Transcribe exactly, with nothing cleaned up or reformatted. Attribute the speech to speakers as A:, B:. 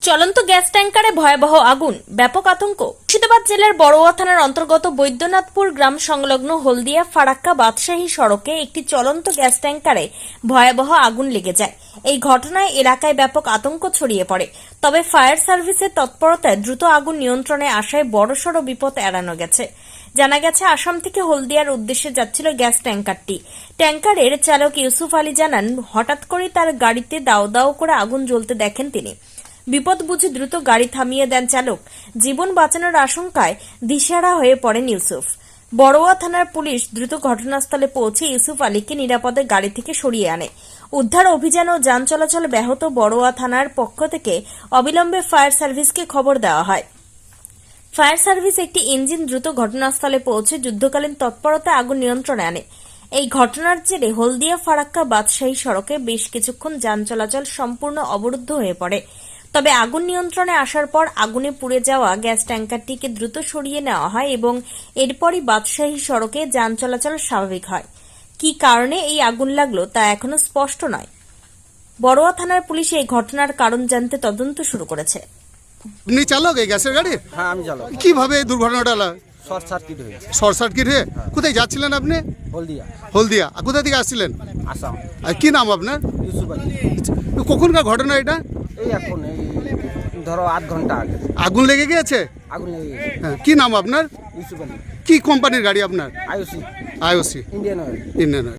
A: চলন্ত গ্যাস ট্যাঙ্কারে ভয়াবহ আগুন, ব্যাপক আতঙ্ক। মুর্শিদাবাদ জেলার বড়ুয়া থানার অন্তর্গত বৈদ্যনাথপুর গ্রাম সংলগ্ন হলদিয়া ফারাক্কা বাদশাহী সড়কে একটি চলন্ত গ্যাস ট্যাঙ্কারে ভয়াবহ আগুন লেগে যায়। এই ঘটনায় এলাকায় ব্যাপক আতঙ্ক ছড়িয়ে পড়ে। তবে ফায়ার সার্ভিসের তৎপরতায় দ্রুত আগুন নিয়ন্ত্রণে আসায় বড়সড় বিপদ এড়ানো গেছে। জানা গেছে, আসাম থেকে হলদিয়ার উদ্দেশ্যে যাচ্ছিল গ্যাস ট্যাঙ্কারটি। ট্যাঙ্কারের চালক ইউসুফ আলী জানান, হঠাৎ করে তার গাড়িতে দাও দাও করে আগুন জ্বলতে দেখেন তিনি। বিপদ বুঝে দ্রুত গাড়ি থামিয়ে দেন চালক। জীবন বাঁচানোর আশঙ্কায় দিশেহারা হয়ে পড়েন ইউসুফ। বড়ুয়া থানার পুলিশ দ্রুত ঘটনাস্থলে পৌঁছে ইউসুফ আলীকে নিরাপদে গাড়ি থেকে সরিয়ে আনে। উদ্ধার অভিযান ও যান চলাচল ব্যাহত বড়ুয়া থানার পক্ষ থেকে অবিলম্বে ফায়ার সার্ভিসকে খবর দেওয়া হয়। ফায়ার সার্ভিস একটি ইঞ্জিন দ্রুত ঘটনাস্থলে পৌঁছে যুদ্ধকালীন তৎপরতা আগুন নিয়ন্ত্রণে আনে। এই ঘটনার জেরে হলদিয়া ফারাক্কা বাদশাহী সড়কে বেশ কিছুক্ষণ যান চলাচল সম্পূর্ণ অবরুদ্ধ হয়ে পড়ে। তবে আগুন নিয়ন্ত্রণে আসার পর আগুনে পুড়ে যাওয়া গ্যাস ট্যাঙ্কারটিকে দ্রুত সরিয়ে নেওয়া হয় এবং এরপরই বাদশাহী সড়কে যান চলাচল স্বাভাবিক হয়। কী কারণে এই আগুন লাগলো তা এখনো স্পষ্ট নয়। বড়ুয়া থানার পুলিশ এই ঘটনার কারণ জানতে তদন্ত শুরু করেছে।
B: আপনি চালক এই গ্যাসের গাড়ি?
C: হ্যাঁ, আমি চালক।
B: কিভাবে এই দুর্ঘটনাটা হলো?
C: শর্ট সার্কিট হয়েছে।
B: শর্ট সার্কিট হয়ে কোথায় যাচ্ছিলেন আপনি?
C: হলদিয়া,
B: হলদিয়া। আর কোথা থেকে আসছিলেন?
C: আসাম।
B: আর কি নাম আপনার?
C: ইউসুফ আলী।
B: কখনকার ঘটনা এটা?
C: এই এখন এই ধরো আধ ঘন্টা আগে
B: আগুন লেগে গিয়েছে?
C: আগুন লেগে গেছে।
B: হ্যাঁ, কি নাম আপনার?
C: ইউসুফ আলী।
B: কি কোম্পানির গাড়ি আপনার?
C: IOC,
B: IOC
C: Indian oil.
B: Indian.